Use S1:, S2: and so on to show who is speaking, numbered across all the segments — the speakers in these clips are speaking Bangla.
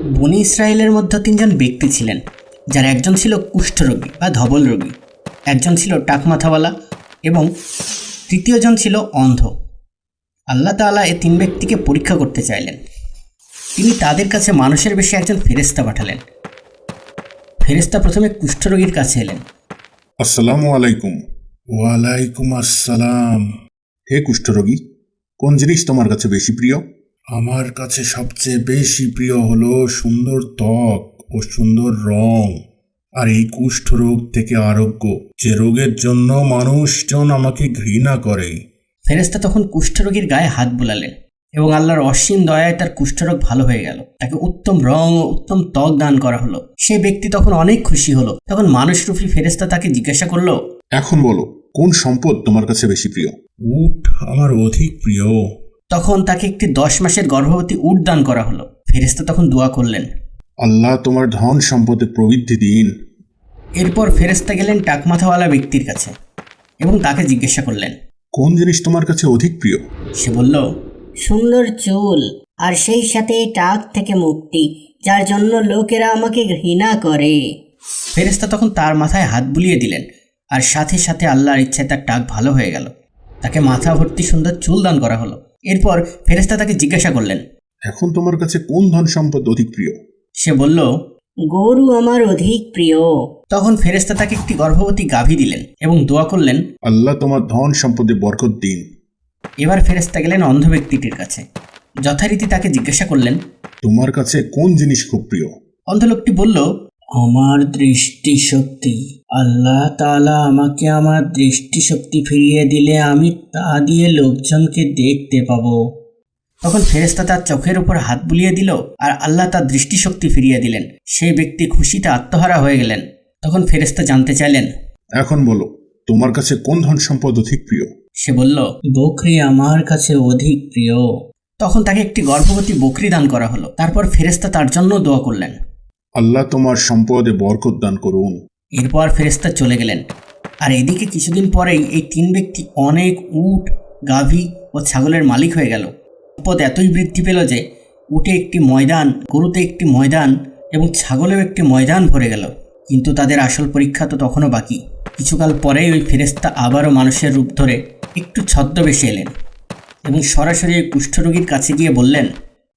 S1: বনি ইসরায়েলের মধ্যে তিনজন ব্যক্তি ছিলেন, যার একজন ছিল কুষ্ঠরোগী বা ধবল রোগী, একজন ছিল টাকমাথাওয়ালা এবং তৃতীয়জন ছিল অন্ধ। আল্লাহ তাআলা এই তিন ব্যক্তিকে পরীক্ষা করতে চাইলেন। তিনি তাদের কাছে মানুষের বেশে একজন ফেরেশতা পাঠালেন। ফেরেশতা প্রথমে কুষ্ঠরোগীর কাছে এলেন।
S2: আসসালামু আলাইকুম। ওয়ালাইকুম আসসালাম। হে কুষ্ঠরোগী, কোন জিনিস তোমার কাছে বেশি প্রিয়? আমার কাছে সবচেয়ে বেশি প্রিয় হলো সুন্দর ত্বক ও সুন্দর রং, আর এই কুষ্ঠরোগ থেকে আরোগ্য, যে রোগের জন্য মানুষজন আমাকে ঘৃণা করে।
S1: ফেরেশতা তখন কুষ্ঠরোগীর গায়ে হাত বুলালেন এবং আল্লাহর অসীম দয়ায় তার কুষ্ঠরোগ ভালো হয়ে গেল। তাকে উত্তম রং ও উত্তম ত্বক দান করা হলো। সে ব্যক্তি তখন অনেক খুশি হলো। তখন মানুষরূপী ফেরেশতা তাকে জিজ্ঞাসা করলো,
S2: এখন বলো, কোন সম্পদ তোমার কাছে বেশি প্রিয়? উট আমার অধিক প্রিয়।
S1: তখন তাকে একটি 10 মাসের গর্ভবতী উট দান করা হলো। ফেরেশতা তখন দোয়া করলেন,
S2: আল্লাহ তোমার ধন সম্পদে প্রবৃদ্ধি দিন।
S1: এরপর ফেরেশতা গেলেন টাকমাথাওয়ালা ব্যক্তির কাছে এবং তাকে জিজ্ঞাসা করলেন,
S2: কোন জিনিস তোমার কাছে অধিক প্রিয়?
S1: সে বলল,
S3: সুন্দর চুল, আর সেই সাথে টাক থেকে মুক্তি, যার জন্য লোকেরা আমাকে ঘৃণা করে।
S1: ফেরেশতা তখন তার মাথায় হাত বুলিয়ে দিলেন, আর সাথে সাথে আল্লাহর ইচ্ছায় তার টাক ভালো হয়ে গেল। তাকে মাথা ভর্তি সুন্দর চুল দান করা হলো। এরপর ফেরেশতা তাকে জিজ্ঞাসা করলেন,
S2: এখন তোমার কাছে কোন ধন সম্পদ অধিক প্রিয়?
S1: সে বলল,
S3: গরু আমার অধিক প্রিয়।
S1: তখন ফেরেশতা তাকে একটি গর্ভবতী গাভী দিলেন এবং দোয়া করলেন,
S2: আল্লাহ তোমার ধন সম্পদে বরকত দিন।
S1: এবার ফেরেশতা গেলেন অন্ধ ব্যক্তিটির কাছে। যথারীতি তাকে জিজ্ঞাসা করলেন,
S2: তোমার কাছে কোন জিনিস খুব প্রিয়?
S1: অন্ধ লোকটি বলল, আমার দৃষ্টিশক্তি। আল্লাহ তাআলা আমাকে আমার দৃষ্টিশক্তি ফিরিয়ে দিলে আমি তা দিয়ে লোকজনকে দেখতে পাবো। তখন ফেরেশতা তার চোখের উপর হাত বুলিয়ে দিল, আর আল্লাহ তার দৃষ্টিশক্তি ফিরিয়ে দিলেন। সেই ব্যক্তি খুশিতে আত্মহারা হয়ে গেলেন। তখন ফেরেশতা জানতে চাইলেন,
S2: এখন বলো, তোমার কাছে কোন ধন সম্পদ অধিক প্রিয়?
S1: সে বলল, বকরি আমার কাছে অধিক প্রিয়। তখন তাকে একটি গর্ভবতী বকরি দান করা হলো। তারপর ফেরেশতা তার জন্য দোয়া করলেন,
S2: আল্লাহ তোমার সম্পদে বরকত দান করুন।
S1: এরপর ফেরেশতা চলে গেলেন। আর এদিকে কিছুদিন পরেই এই তিন ব্যক্তি অনেক উট, গাভী ও ছাগলের মালিক হয়ে গেল। সম্পদ এতই বৃদ্ধি পেল যে উটে একটি ময়দান, গরুতে একটি ময়দান এবং ছাগলেও একটি ময়দান ভরে গেল। কিন্তু তাদের আসল পরীক্ষা তো তখনও বাকি। কিছুকাল পরেই ওই ফেরেশতা আবারও মানুষের রূপ ধরে একটু ছদ্মবেশে এলেন এবং সরাসরি ওই কুষ্ঠরোগীর কাছে গিয়ে বললেন,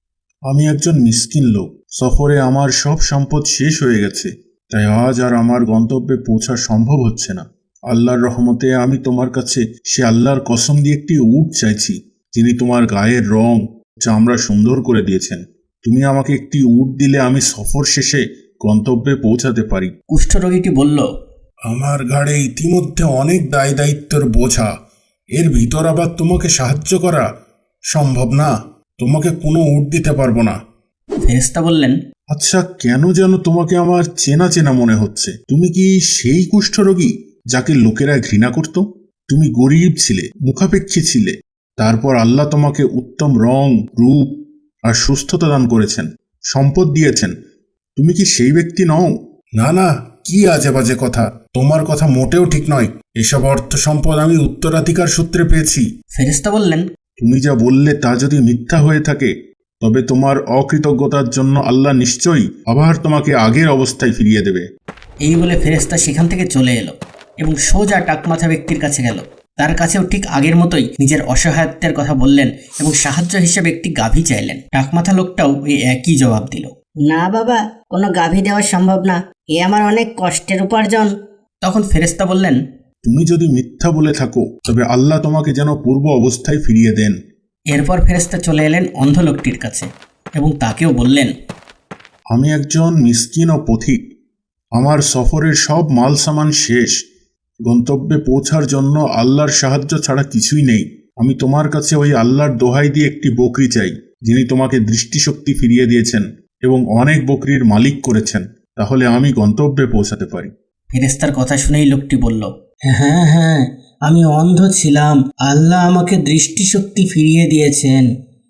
S2: আমি একজন মিসকিন লোক, সফরে আমার সব সম্পদ শেষ হয়ে গেছে, তাই আজ আর আমার গন্তব্যে পৌঁছা সম্ভব হচ্ছে না। আল্লাহর রহমতে আমি তোমার কাছে সে আল্লাহর কসম দিয়ে একটি উট চাইছি, যিনি তোমার গায়ের রং, চামড়া সুন্দর করে দিয়েছেন। তুমি আমাকে একটি উট দিলে আমি সফর শেষে গন্তব্যে পৌঁছাতে পারি।
S1: কুষ্ঠরোগীটি বলল,
S2: আমার ঘাড়ে ইতিমধ্যে অনেক দায় দায়িত্বের বোঝা, এর ভিতর আবার তোমাকে সাহায্য করা সম্ভব না। তোমাকে কোনো উট দিতে পারবো না।
S1: ফেরেশতা বললেন,
S2: আচ্ছা, কেন যেন তোমাকে আমার চেনা চেনা মনে হচ্ছে। তুমি কি সেই কুষ্ঠরোগী যাকে লোকেরা ঘৃণা করত? তুমি গরিব ছিলে, মুখাপেক্ষী ছিলে, তারপর আল্লাহ তোমাকে উত্তম রং, রূপ আর সুস্থতা দান করেছেন, সম্পদ দিয়েছেন। তুমি কি সেই ব্যক্তি নও? না না, কি আজে বাজে কথা। তোমার কথা মোটেও ঠিক নয়। এসব অর্থ সম্পদ আমি উত্তরাধিকার সূত্রে পেয়েছি।
S1: ফেরেশতা বললেন,
S2: তুমি যা বললে তা যদি মিথ্যা হয়ে থাকে, তবে তোমার অকৃতজ্ঞতার জন্য আল্লাহ নিশ্চয়ই আবার তোমাকে আগের অবস্থায় ফিরিয়ে দেবে।
S1: এই বলে ফেরেশতা সেখান থেকে চলে এলো এবং সোজা টাকমাথা ব্যক্তির কাছে গেল। তার কাছেও ঠিক আগের মতোই নিজের অসহায়ত্বের কথা বললেন এবং সাহায্য হিসেবে একটি গাভী চাইলেন। টাকমাথা লোকটাও এই একই জবাব দিল।
S3: না বাবা, কোনো গাভী দেওয়া সম্ভব না, এ আমার অনেক কষ্টের উপার্জন।
S1: তখন ফেরেশতা বললেন,
S2: তুমি যদি মিথ্যা বলে থাকো, তবে আল্লাহ তোমাকে যেন পূর্ব অবস্থায় ফিরিয়ে দেন।
S1: এরপর ফেরেশতা চলে এলেন অন্ধ লোকটির কাছে এবং তাকেও বললেন,
S2: আমি একজন মিসকিন ও পথিক। আমার সফরের সব মাল সামান শেষ। গন্তব্যে পৌঁছার জন্য আল্লাহর সাহায্য ছাড়া কিছুই নেই। আমি তোমার কাছে ওই আল্লাহর দোহাই দিয়ে একটি বকরি চাই, যিনি তোমাকে দৃষ্টিশক্তি ফিরিয়ে দিয়েছেন এবং অনেক বকরির মালিক করেছেন। তাহলে আমি গন্তব্যে পৌঁছাতে পারি।
S1: ফেরেশতার কথা শুনেই লোকটি বলল, হ্যাঁ হ্যাঁ, আমি অন্ধ ছিলাম, আল্লাহ আমাকে দৃষ্টিশক্তি ফিরিয়ে দিয়েছেন,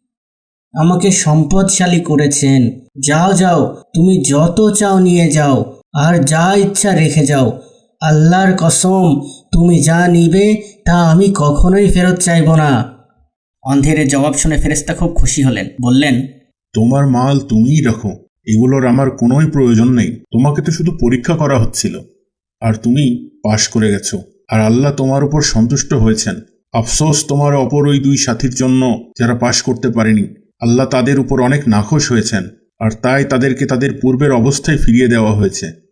S1: আমাকে সম্পদশালী করেছেন। যাও যাও, তুমি যত চাও নিয়ে যাও, আর যা ইচ্ছা রেখে যাও। আল্লাহর কসম, তুমি যা নিবে তা আমি কখনোই ফেরত চাইব না। অন্ধের জবাব শুনে ফেরেশতা খুব খুশি হলেন। বললেন,
S2: তোমার মাল তুমিই রাখো, এগুলোর আমার কোনোই প্রয়োজন নেই। তোমাকে তো শুধু পরীক্ষা করা হচ্ছিল, আর তুমি পাশ করে গেছো, আর আল্লাহ তোমার উপর সন্তুষ্ট হয়েছেন। আফসোস তোমার অপর ওই 2 সাথীর জন্য যারা পাশ করতে পারেনি। আল্লাহ তাদের উপর অনেক নাখোশ হয়েছেন, আর তাই তাদেরকে তাদের পূর্বের অবস্থায় ফিরিয়ে দেওয়া হয়েছে।